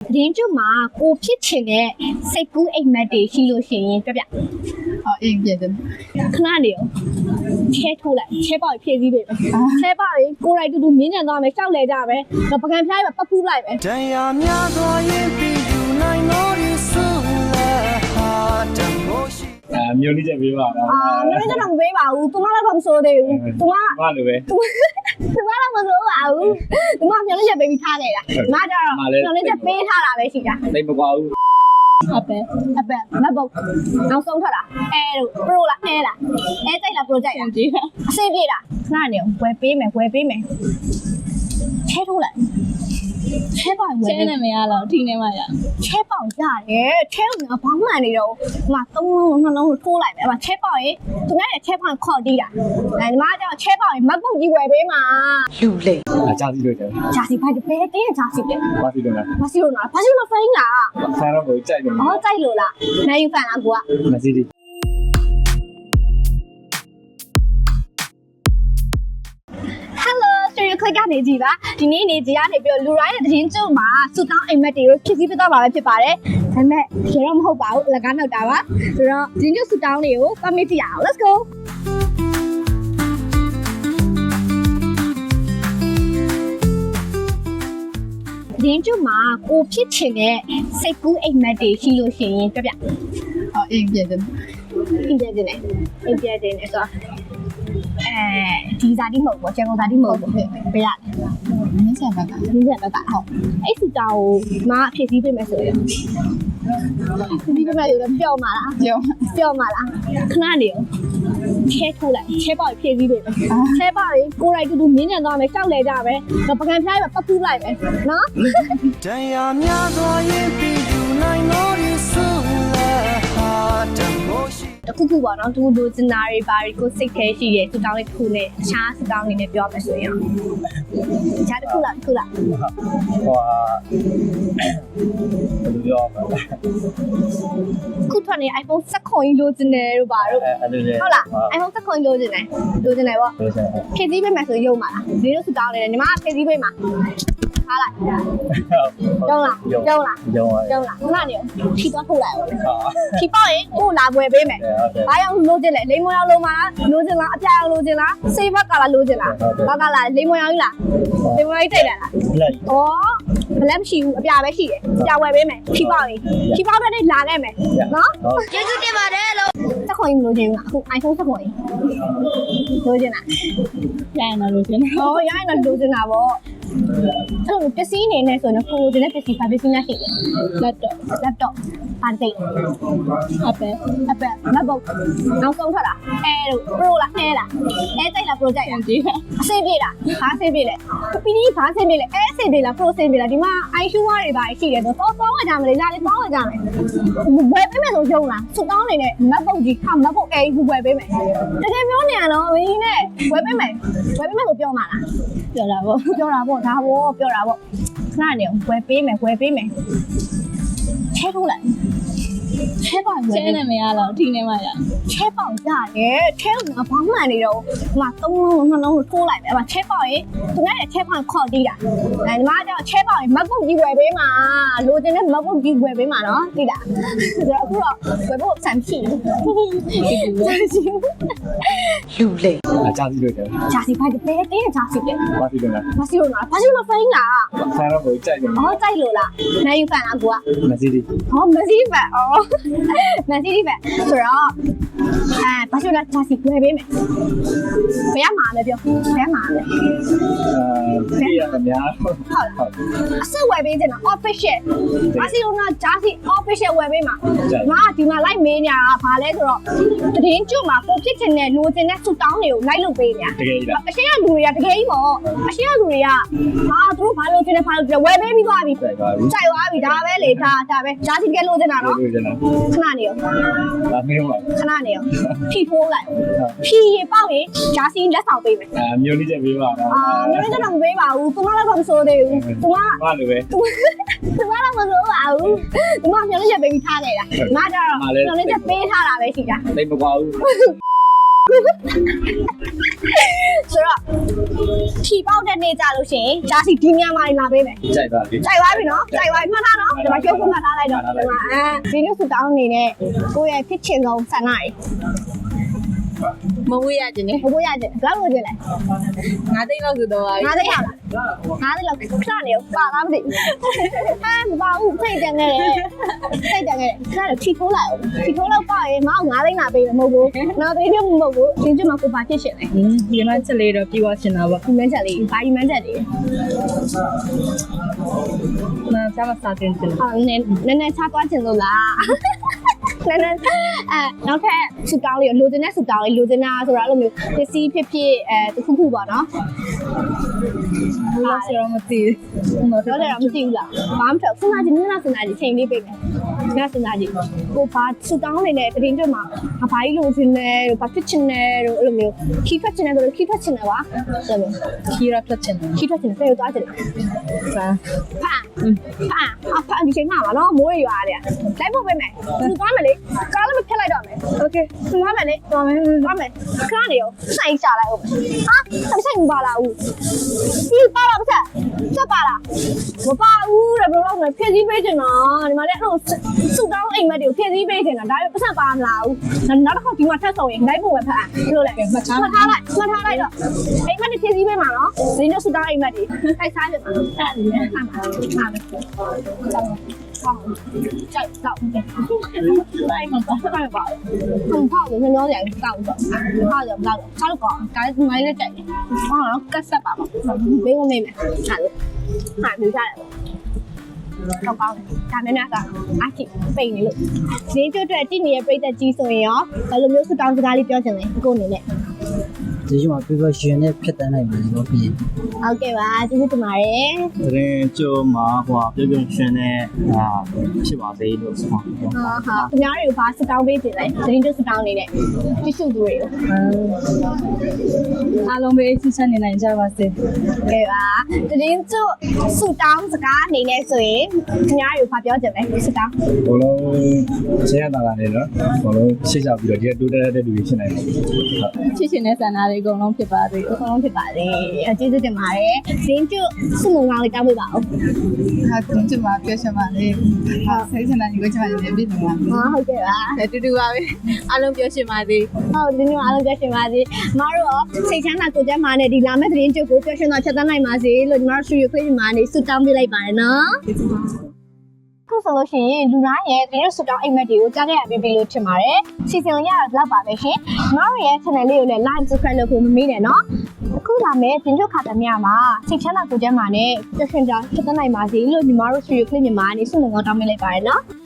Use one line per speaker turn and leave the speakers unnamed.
သတင်းကျုပ်မှာကိုဖြစ်ချင်တဲ့စိတ်ကူးအိမ်မက်တွေရှိလို့ရှိရင်ပြပြ
အိမ်ပြတယ်
ခဏနေရောချဲထိုးလိုက်ချဲပေါက်ဖြည့်စည်းပေးမယ်ချဲပေါက်ရင်ကိုယ်တိုင်တူတူမြင်းညံသွားမယ်ရှောက်လဲကြမယ်တော့ပကံဖျားရပတ်ဖူးလိုက်မယ်
တရားများစွာရင်ပြီးယူနိုင်လို့ရဆိုလာဟာတမိုးရှိ
မျိုးလေးချက်ပေးပါတော့
မျိုးလေးချက်တော့မပေးပါဘူးသူမလည်းတော့မစိုးသေးဘူးသူမ
လိုပဲ
သူမလည်းမစိုးပါဘူးသူမမျိုးလေးချက်ပေးပြီးထားခဲ့တာမကြတော့မျိုးလေးချက်ပေးထားတာပဲရှိတာ
တိတ်မကွာဘူး
အပယ်မဘုတ်နောက်ဆုံးထွက်တာအဲတို့ပရိုလားအဲလားအဲကြိုက်လားပရိုကြိုက်လားအစိပြေးလားခဏနေဝယ်ပေးမယ်ချဲထိုးလိုက်ချဲပေါင်ဝယ်
ချဲနေမရတော့ထိနေမှရ
ချဲပေါင်ရတယ်ချဲကဘာမှန်နေတော့ဟို3လုံး2လုံးထိုးလိုက်မယ်ဟိုချဲပေါင်ရင်သူများရဲ့ချဲပေါင်ခေါ်တီးတာညီမကချဲပေါင်ရင်မပုတ်ကြီးဝယ်ပေးမှာ
လူလေ
ကြာစီလို့တယ်
ကြာစီဖိုက်ပဲတင်းကြာစီတယ်
ဘာစီလို့လဲ
ဘာစီလို့ဖိန်းလား
ဆန်တော့ကိုကြိုက်တယ်
ကြိုက်လို့လားနိုင်ယူဖန်လားကိုက
မစီဒီ
click ကနေကြည့်ပါဒီနေ့နေကြည့်ရနေပြီးလူတိုင်းရဲ့သတင်းကျုပ်မှာစူတောင်းအိမ်မက်တွေကိုဖြည့်ဆည်းပေးသွားပါပဲဖြစ်ပါတယ်ဒါပေမဲ့ရေတော့မဟုတ်ပါဘူးအလကားနောက်တာပါဆိုတော့သတင်းကျုပ်စူတောင်းတွေကိုပတ်မိကြည့်ရအောင် let's go သတင်းကျုပ်မှာကိုဖြစ်ချင်တဲ့စိတ်ကူးအိမ်မက်တွေရှိလို့ရှိရင်ပြပြ
အိမ်ပြတယ်
အိမ်ပြတယ်ဆိုတော့ဒီဇာတိမဟုတ်ဘူးကျန်ကုန်ဇာတိမဟုတ်ဘူးပေးရတယ်
နင်းဆက်ဘက်က
ဟုတ်အဲ့စူတာကိုမအဖြစ်စည်းပေးမယ်ဆိုရင်ဒီဘက်မှာရောပျော့မှာလားပျော့မှာလားခဏနေရောချဲထိုးလိုက်ချဲပေါက်ဖြည့်စည်းပေးမယ်ချဲပေါက်ရင်ကိုယ်တိုင်တူတူမြင်းညံသွားမယ်ရှောက်လဲကြမယ်တော့ပကံဖျားရပတ်ဖူးလိုက်မယ်နော်
တရားများစွာရင်ပြီးယူနိုင်လို့ရဆိုလာဟာတမိုးရှိ
တခုပေါ့နော်သူတို့စင်နာတွေဘာတွေကိုစိတ်ထဲရှိရဲစူတောင်းလေးတစ်ခုနဲ့အခြားစူတောင်းလေးနဲ့ပြောမယ်ဆိုရင်အခြားတစ်ခုလား
ဟိုဟာဘယ်လိုပြောမလဲ
ခုထွက်နေ iPhone 7ကြီးလိုချင်တယ်တို့ပါတို့ဟုတ်လား iPhone 7ကြီးလိုချင်တယ်ပေါ့ဖြည့်စည်းပေးမယ်ဆိုရုံပါလားဒီလိုစူတောင်းနေတယ်ညီမဖြည့်စည်းပေးမှာထားလိုက်ကျုံလားခဏနေဖြီးသွားထုတ်လိုက်ဖြီးပေါ့ရင်ကိုလာပွဲပေးမယ်ဘာရောက်လိုချင်လဲလိမ္မောရောက်လိုမှာလိုချင်လားအပြာရောက်လိုချင်လားစေးဘက်ကလာလိုချင်လားဘာကလာလိမ္မောရောက်ကြီးလားလိမ္မောကြီးတိတ်လာလားဘလက်မရှိဘူးအပြာပဲရှိတယ်အပြာဝယ်ပေးမယ်ဖြီးပေါ့ရင်ဖြီးပေါ့တဲ့လာခဲ့မယ်နော်ကျေးဇူးတင်ပါတယ်လို့စက်ခွန်ကြီးလိုချင်ဘူးအခု iPhone စက်ခွန်ကြီးလိုချင်လား
ရရင်တော့လိုချင်တာ
ရရင်တော့လိုချင်တာပေါ့အဲ့လိုပစ္စည်းအနေနဲ့ဆိုရင်ကိုယ်တင်တဲ့ပစ္စည်းဘာပစ္စည်းများရှိလဲ laptop ပါတိတ်အပယ်မဘုတ်နောက်ဆုံးထွက်တာအဲတို့ pro လားအဲလားအဲကြိုက်လား pro ကြိုက်လားအဆင်ပြေလားဘာအဆင်ပြေလဲပီဒီဘာအဆင်ပြေလဲအဲအဆင်ပြေလား pro အဆင်ပြေလားဒီမှာ iShoe တွေဘာရှိတယ်ဆိုတော့ပေါင်းဝယ်ကြမယ်လေလာလေပေါင်းဝယ်ကြမယ်ဝယ်ပေးမယ်ဆိုရုံလားစုတောင်းနေနဲ့မဘုတ်ကြီးမဘုတ်အဲကြီးဝယ်ပေးမယ်တကယ်ပြောနေရတော့မင်းနဲ့ဝယ်ပေးမယ်ဆိုပြောမှာလားပြောတာပေါ့ဒါပေါ့ပြောတာပေါ့ခဏနေဝယ်ပေးမယ်ချဲထိုးလိုက်ချဲပေါင်ဝယ်
ချဲနေမရတော့ထိနေမှရ
ချဲပေါင်ရတယ်ချဲကဘာမှန်နေတော့ဟို3လုံး2လုံးထိုးလိုက်မယ်ချဲပေါင်ရင်သူများရဲ့ချဲပေါင်ခေါ်တီးတာညီမကချဲပေါင်ရင်မပုတ်ကြီးဝယ်ပေးမှာလိုချင်တဲ့မပုတ်ကြီးဝယ်ပေးမှာနော်သိလားဆိုတော့အခုတော့ဝယ်ဖို့စံဖြီး
လူလေ
ကြာစီလို့တယ်
ကြာစီဖိုက်ပဲတင်းကြာစီတယ်
ဘာစီလို့လဲ
ဖိန်းလား
ဆန်တော့ကိုကြိုက်တယ်
ကြိုက်လို့လားနိုင်ယူဖန်လားကိုက
မစီဒီ
မစီဒီဖန်မစီဒီဖန်ဆိုတော့ဘာလို့လဲကြာစီဝယ်ပေးမယ်ဘယ်မှာလဲပြောဘယ်မှာလဲ
ဘယ်ရမများ
ဟုတ်အစဝယ်ပေးချင်တာ official ဘာစီလို့ကကြာစီ official ဝယ်ပေးမှာငါဒီမှာလိုက်မေးညာဘာလဲဆိုတော့သတင်းကျွတ်မှာကိုဖြစ်ချင်တဲ့လိုချင်တဲ့စူတောင်းတွေကိုလိုက်လုပ်ပေးညာ
တကယ်ကြီးလား
အရှင်းကလူတွေကတကယ်ကြီးပေါ့အရှင်းကလူတွေကသူတို့ဘာလို့ချင်တယ်ဝယ်ပေးပြီးသွားပြီကြိုက်သွားပြီဒါပဲလေဒါပဲကြာစီတကယ်လိုချင်တာနော်ခဏနေရော
ဒါမင်းပါ
ခဏနေရောဖြီးထိုးလိုက်ဖြီးရေပေါက်ရင်ဂျာစီလက်ဆောင်ပေးမယ်
မျိုးလေးချက်ပေးပါတော့
မျိုးလေးချက်တော့မပေးပါဘူးသူမလည်းမဆိုးသေးဘူးသူမ
လိုပဲ
သူမလည်းမဆိုးပါဘူးသူမမျိုးလေးချက်ပေးပြီးထားခဲ့တာငါကြတော့မျိုးလေးချက်ပေးထားတာပဲရှိတာ
တိတ်မကွာဘူး
ဆိုဆိုတော့ဖြီပေါက်တဲ့နေ့ကြလို့ရှိရင်ဒါစီဒီညမှာလာပေးမယ်
ကြိုက်ပါလေ
ကြိုက်သွားပြီနော်ကြိုက်သွားပြီမှတ်ထားနော်ဒီမှာကျုပ်ကမှတ်ထားလိုက်တော့ဒီမှာဒီနေ့ဆူတောင်းနေနဲ့ကိုယ့်ရဲ့ဖြစ်ချင်ဆုံးဆန္ဒတွေ
မဝေးရခြင်းနဲ့
ဘိုးရခြင်းဘယ်လိုလုပ်ခြင်းလဲ
ငါသိန်းလောက်ဆိုတော့ပါပြီ
ငါးသိလားငါးသိလောက်ခဏနေပါလားမသိမပါဘူးစိတ်တန်ခဲ့တယ်စိတ်တန်ခဲ့တယ်ခဏတော့ချီထိုးလိုက်အောင်ချီထိုးလောက်ပါရင်မအောင်ငါးသိန်းလာပေးမယ်မဟုတ်ဘူးနောက်သိန်းတော့မဟုတ်ဘူးသင်ကျမကိုပါဖြစ်ရှင်တယ်
ဒီမှာချက်လေးတော့ပြီးသွားရှင်တာပေါ့
ဒီမန်းချက်လေးဘာဒီမန်းချက်လေး
နားစားမစားတင်တယ်
ဟာနည်းနည်းချသွားခြင်းလို့လားနည်းနည်းနောက်ထပ်ဆူတောင်းလေးလိုချင်တဲ့ဆူတောင်းလေးလိုချင်တာဆိုတာအဲ့လိုမျိုးပစ္စည်းဖြစ်ဖြစ်တခုခုပေါ့နော်
ဘူးလားဆိုတော့မသိဘူး
တော့လည်းမသိဘူးလားဘာမှမထောက်စဉ်းစားကြည့်နည်းနည်းစဉ်းစားကြည့်ချိန်လေးပေးမယ်နည်းစဉ်းစားကြည့်ကိုဘာဆူတောင်းနေတဲ့တရင်တွေမှာဘာကြီးလိုချင်တယ်ဘာဖြစ်ချင်တယ်တို့အဲ့လိုမျိုးခီးထွက်ချင်တယ်တို့ခီးထွက်ချင်တယ်ပါအဲ့လို
ခီးရဖတ်ချင်တယ်
ခီးထွက်ချင်တယ်ပြေသွားချင်တယ်
စာ
ဖာဒီချိန်မှာပါနော်မိုးရွာတယ်လိုက်ဖို့ပေးမယ်သူသွားမယ်လေကားလည်းမဖြတ်လိုက်တော့မယ်โอเคသူသွားမယ်လေသွားမယ်ခဏနေရောဆိုင်ရှာလိုက်အောင်ဟာဆိုင်မပါလာဘူးဒီပါလာပါဆက်ပါလားမပါဘူးတဲ့ဘယ်လိုလုပ်မလဲဖြည့်စည်းပေးချင်တာဒီမှာလည်းအဲ့လိုစုတောင်းအိမ်မက်တွေကိုဖြည့်စည်းပေးချင်တာဒါပေမဲ့ပတ်ဆက်ပါမလာဘူးနောက်တစ်ခါဒီမှာထပ်ဆောင်ရင်လိုက်ဖို့ပဲဖတ်ဘယ်လိုလဲမှတ်ထားလိုက်တော့အိမ်မက်တွေဖြည့်စည်းပေးမှာနော်ဒီနေ့စုတောင်းအိမ်မက်တွေထိုက်စားပြမှာအဲ့ဒါလည်းဟာကြိုက်တော့လိုက်မှာပါလိုက်ပါผม泡的是那种两个高的泡的不高的泡的高但是买的贵然后ကတ်ဆက်ပါပါဘေးကမေးမယ်ဟာလို့ဟာမြူထားတယ်ကောင်းကောင်းဒါနဲ့နာကအချိပိန်နေလို့ဈေးကျွတ်အတွက်တည်နေတဲ့ပြိသက်ကြီးဆိုရင်ရောဘယ်လိုမျိုးဆူတောင်းစကားလေးပြောချင်လဲကိုအနေနဲ့
ဒီမှာပြပရှင်နဲ့ဖြစ်တန်းနိုင်မယ်လို့ပြီး
ဟုတ်ကဲ့ပါကျေးဇူးတင်ပါတယ်
တရင်ကျိုးမှာဟိုပြုတ်ပြုတ်ရှင်နဲ့ဖြစ်ပါသေးလို့ဆိုပါ
ဟာဟာခင်ဗျားတွေကိုဘာဆူတောင်းပေးချင်လဲသတင်းကျွတ်ဆူတောင်းနေတဲ့တ िश ူသူတွေကို
အားလုံးပဲဆစ်ဆက်နေနိုင်ကြပါစေ
ကဲပါသတင်းကျွတ်ဆူတောင်းစကားအနေနဲ့ဆိုရင်ခင်ဗျားတွေကိုဘာပြောချင်လဲဆူတောင်း
ဘလုံးဆင်းရတာလည်းနော်ဘလုံးရှေ့ချပြီးတော့ဒီတိုးတက်တဲ့လူတွေဖြစ်နိုင်တယ်
ချစ်ရှင်တဲ့ဆန္ဒတွေအကုန်လုံးဖြစ်ပါစေ
အဆုံးဖြစ်ပါလေကျေးဇူးတင်ပါတယ်ဇင်းကျွတ်စုမုံကောင်းလေးတောင်းပေးပါဦး
ဟာတင်ချင်ပါပြောချင်ပါလေဟာစိတ်ချမ်းသာညီကိုချင်ပါတယ်ပြည်သူမှာ
ဟုတ်ကဲ့ပါ
တူတူပါပဲအားလုံးပြောချင်ပါသေး
ဟုတ်ဒီနေ့အားလုံးကြရှင်ပါစေမတို့ရောစိတ်ချမ်းသာကိုယ်ကျန်းမာနဲ့ဒီလာမယ့်သတင်းကျွတ်ကိုပျော်ရွှင်စွာဖြတ်သန်းနိုင်ပါစေလို့ညီမတို့ရွှေရွှေခွေးညီမနေဆုတောင်းပေးလိုက်ပါတယ်နော်ခုဆိုလို့ရှိရင်လူတိုင်းရဲ့ဒီလိုဆူတောင်းအိမ်မက်တွေကိုကြားခဲ့ရပြီလို့ထင်ပါတယ်စီစဉ်ရတာတော့ပါပဲရှင်ညီမတို့ရဲ့ channel လေးကိုလည်း like subscribe လုပ်ဖို့မမေ့နဲ့နော်အခုလာမယ့်တင်ကျွတ်ခါတမရမှာစိတ်ချမ်းသာကိုယ်ကျန်းမာနဲ့ပျော်ရွှင်စွာဖြတ်သန်းနိုင်ပါစေလို့ညီမတို့ရွှေရွှေခွေးညီမနေဆုမွန်ကောင်းတောင်းပေးလိုက်ပါတယ်နော်